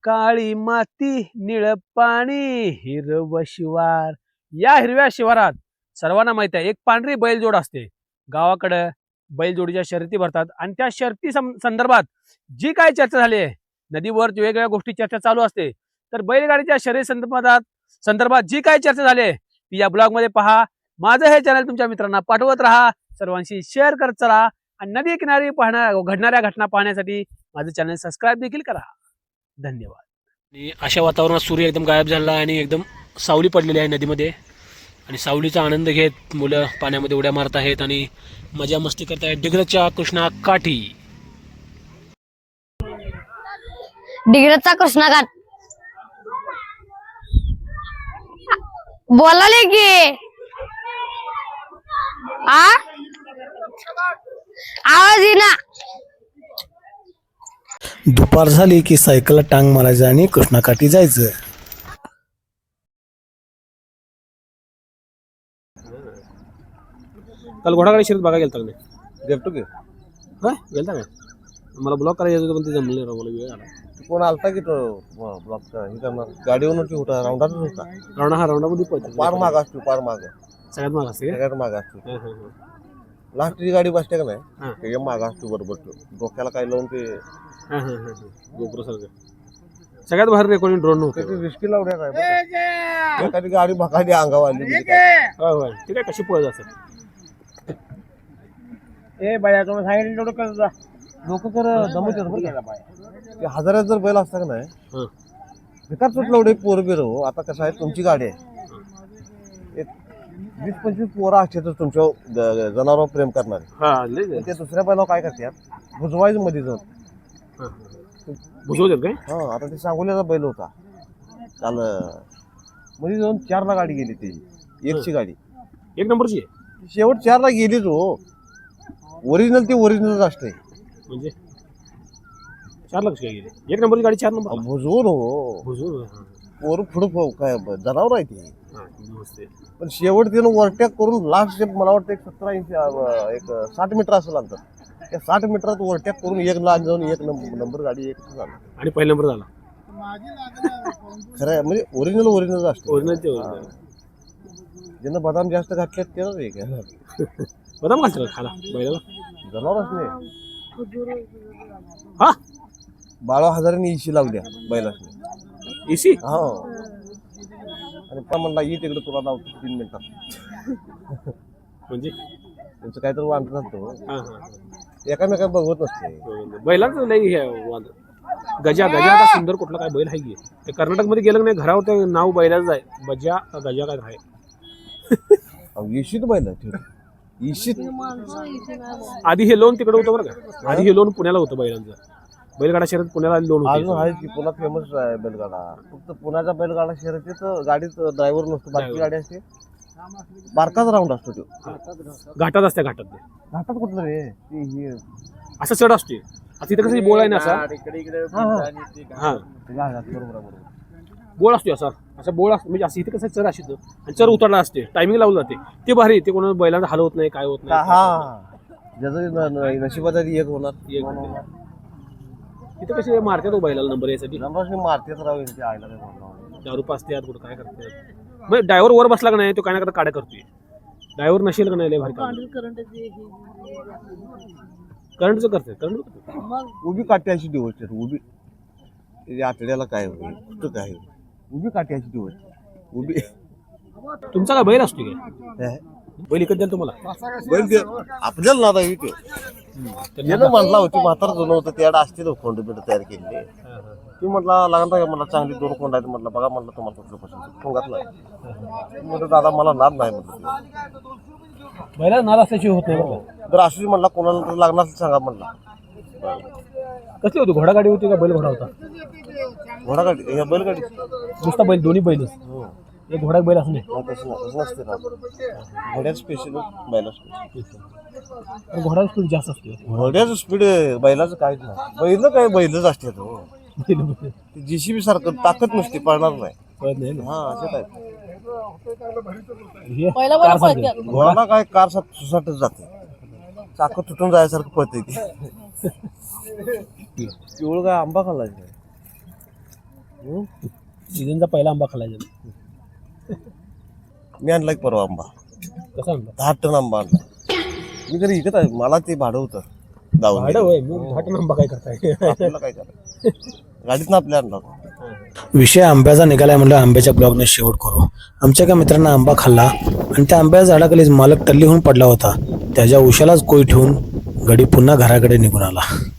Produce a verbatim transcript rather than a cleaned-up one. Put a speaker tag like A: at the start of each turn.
A: काळी माती निळ पाणी हिरव शिवार. या हिरव्या शिवारात सर्वांना माहित आहे एक पांढरी बैलजोड असते. गावाकडे बैलजोडीच्या शर्यती भरतात आणि त्या शर्यती संदर्भात जी काय चर्चा झाली आहे, नदीवर वेगवेगळ्या गोष्टी चर्चा चालू असते. तर बैलगाडीच्या शर्यती संदर्भात संदर्भात जी काय चर्चा झाली आहे ती या ब्लॉग मध्ये पहा. माझं हे चॅनल तुमच्या मित्रांना पाठवत राहा, सर्वांशी शेअर करत चला आणि नदी किनारी पाहण्या घडणाऱ्या घटना पाहण्यासाठी माझं चॅनल सबस्क्राईब देखील करा. धन्यवाद. अशा वातावरणात सूर्य एकदम गायब झाला आणि एकदम सावली पडलेली आहे नदीमध्ये आणि सावलीचा आनंद घेत मुलं पाण्यामध्ये उड्या मारत आहेत आणि मजा मस्ती करत आहेत. डिग्रजच्या कृष्णा काठी.
B: डिग्रजचा कृष्णा घाट बोलाले की आ आवाज येईना.
C: दुपार झाली की सायकलला टांग मारायचं आणि कृष्णाकाठी जायचं.
A: काल घोडागाडी शर्यत बघा गेलता का नाही?
D: गेलतो की
A: होय गेलता का? मला ब्लॉक करायचं होतं पण ते जमलं नाही राव, मला वेळ आला.
D: कोण आलता की तो ब्लॉक हे करणार गाडीवरून होता राऊंडातच होता.
A: राऊंडा हा राऊंडामध्ये पळतो.
D: पार माग असतो पार माग
A: सगळ्यात माग असते का?
D: सगळ्यात माग असतो.
A: हं, हं, हं.
D: लास्टची गाडी बसते का
A: हा.
D: नाही त्याच्या माग असतो बरोबर तो डोक्याला काय लावून ते
A: हं, हं, हं, हं. गोप्रो सारखं सगळ्यात भारी रेकॉर्डिंग ड्रोन नव्हतं.
D: त्याची रिस्की लावड्या काय बरं. एखादी गाडी बघायची अंगावर आली म्हणजे काय.
A: होय होय ते काय कशी पळत असत.
D: ए बाया तुम्ही सांगितलं तेवढं कर जा. लोक कर दमवतात बरं का. ते हजारात जर बैल असता का नाही
A: हं.
D: बेकार सुटलं एवढे पोर बिर हो. आता कसं आहे तुमची गाडी आहे एक वीस पंचवीस पोरं असतात तुमच्या ज- जनावरांवर प्रेम करणारे.
A: हा लय लय.
D: ते दुसऱ्या बैलावर काय करतात भुजवायचं मध्ये जाऊन.
A: हं, हं. बुजवतात काय?
D: हा आता ते सांगोल्याचा बैल होता काल मध्ये जाऊन चारला गाडी गेली त्याची एकची गाडी
A: एक नंबरची आहे
D: शेवट चारला गेलीच हो. ओरिजिनल ती ओरिजिनलच असते
A: म्हणजे चार लक्ष काय गेले. एक नंबरची गाडी चार नंबर
D: भुजवून हो
A: बुजवून.
D: पोर पुढं काय जनावर आहे ती.
A: नमस्ते.
D: पण शेवट तिनं ओव्हरटेक करून लास्ट मला वाटतं एक सतरा इंच अं, एक साठ मीटर असं अंतर त्या साठ मीटरात ओव्हरटेक करून एक लाख जाऊन एक नंबर नंबर गाडी एक झाला.
A: आणि पहिला नंबर झाला.
D: खरं आहे, म्हणजे ओरिजिनल ओरिजिनल असतं.
A: ओरिजिनल ते ओरिजिनल.
D: ज्यांना बदाम जास्त घातले त्यालाच एक आहे.
A: बदाम घालतो खाला बैलाला.
D: जनावरच नाही
A: हा
D: बारा हजारांनी इशी लावल्या बैलासनी.
A: एसी
D: हो आणि पण म्हणला ये तिकडे तुला लावतो तीन मिनिटात.
A: म्हणजे
D: त्यांचं काहीतरी वांट असतो
A: हा हा
D: एकामेका बघवत नसते.
A: बैलाच लई हे वाद. गजा गजा आता सुंदर कुठला काय बैल आहे की ते कर्नाटकमध्ये गेलं नाही घरावर ते नाव बैलाच आहे. बजा का गजा काय आहे.
D: इशीत बैल इशीत
A: आधी हे लोन तिकडे होतं बरं का. आधी हे लोन पुण्याला होतं बैलांचं. बैलगाडा शर्यत पुण्याला लोन
D: अजून
A: होतं.
D: आहे की पुन्हा फेमस आहे बैलगाडा. फक्त पुण्याचा बैलगाडा शर्यतीत गाडीत ड्रायव्हर नसतो बाकी गाडी असते बारकाच राऊंड असतो तो.
A: घाटात असते घाटात ते.
D: घाटात कुठलं रे ते हे
A: असं चढ असते. आता तिथं कसं बोळ आहे ना असा. हा
D: घाटात बरोबर बरोबर
A: बोळ असतो असा असा बोळ असतो म्हणजे असं इथे कसं चर असतो आणि चर उतरला असते टायमिंग लावलं जाते ते भारी. ते कोणा बैलांचा हाल होत नाही काय होत नाही.
D: हा ज्याचं नशिबात आधी एक होणार
A: एक होणार. तिथे कसे मारतात तो बैलाला नंबर यासाठी.
D: नंबर मारतेच राव यांची आईला काय बोलणार.
A: दारू पाचते कुठं काय करतात. मग ड्रायव्हर वर बसला का नाही तो काय ना करता काड्या करतोय. ड्रायव्हर नसेल का नाही लय भारी करंटचं करते करंट
D: उभी काठी अशी दिवस उभी त्याच्या आतड्याला काय होईल कुठं काय होईल. उभी काठी अशी दिवस उभी.
A: तुमचा काय बैल असतो काय? बैल इकत द्याल तुम्हाला.
D: बैल ते आपल्याला नादा येतो त्यानं म्हटला होती म्हातारा जुनं होतं त्याला असते कोंड बिंड तयार केलेले. ती म्हटला लागणार का मला चांगली दोन कोंड आहेत म्हटलं बघा म्हटलं तुम्हाला कुठलं पसंत कोंगातलं म्हटलं दादा मला नाद नाही म्हटलं.
A: बैला नाद असल्याची होत नाही बरं.
D: जर अशी म्हटला कोणाला तर लागणार सांगा म्हटला.
A: कसली होती घोडागाडी होती का बैल घोडा होता?
D: घोडागाडी ह्या बैलगाडी
A: नुसता बैल दोन्ही बैलच. एक घोडा बैल असं नाही.
D: तसं तसं नसते ना घोड्याचं स्पेशल बैला स्पेशल.
A: घोडा स्पीड जास्त असते.
D: घोड्याचं स्पीड बैलाचं काहीच नाही. बैल काय बैलच असते तो. जेसीबी सारखं ताकद नसते पळणार नाही. हा असं काय घोडाला काय कार सुसाटच जाते. चाकं तुटून जायसारखं पळते ती. पिवळ काय आंबा खाल्ला
A: सीझनचा पहिला आंबा खाल्ला
D: मी आणला एक परवा आंबा,
A: कसा आंबा?
D: दहा टन आंबा आणला. मी घरी इकत आहे, मला ते भाडं होतं जाऊन
A: भाडं होय, मग दहा टन आंबा काय करताय?
D: आपल्याला काय करायचं, गाडीतनं आपल्या आणला होता.
C: विषय आंब्याचा निघालाय म्हणलं आंब्याच्या ब्लॉगने शेवट करू. आमच्या एका मित्रांना आंबा खाल्ला आणि त्या आंब्याच्या झाडाखालीच मालक टल्ली होऊन पडला होता. त्याच्या उशालाच कोई ठेवून गडी पुन्हा घराकडे निघून आला.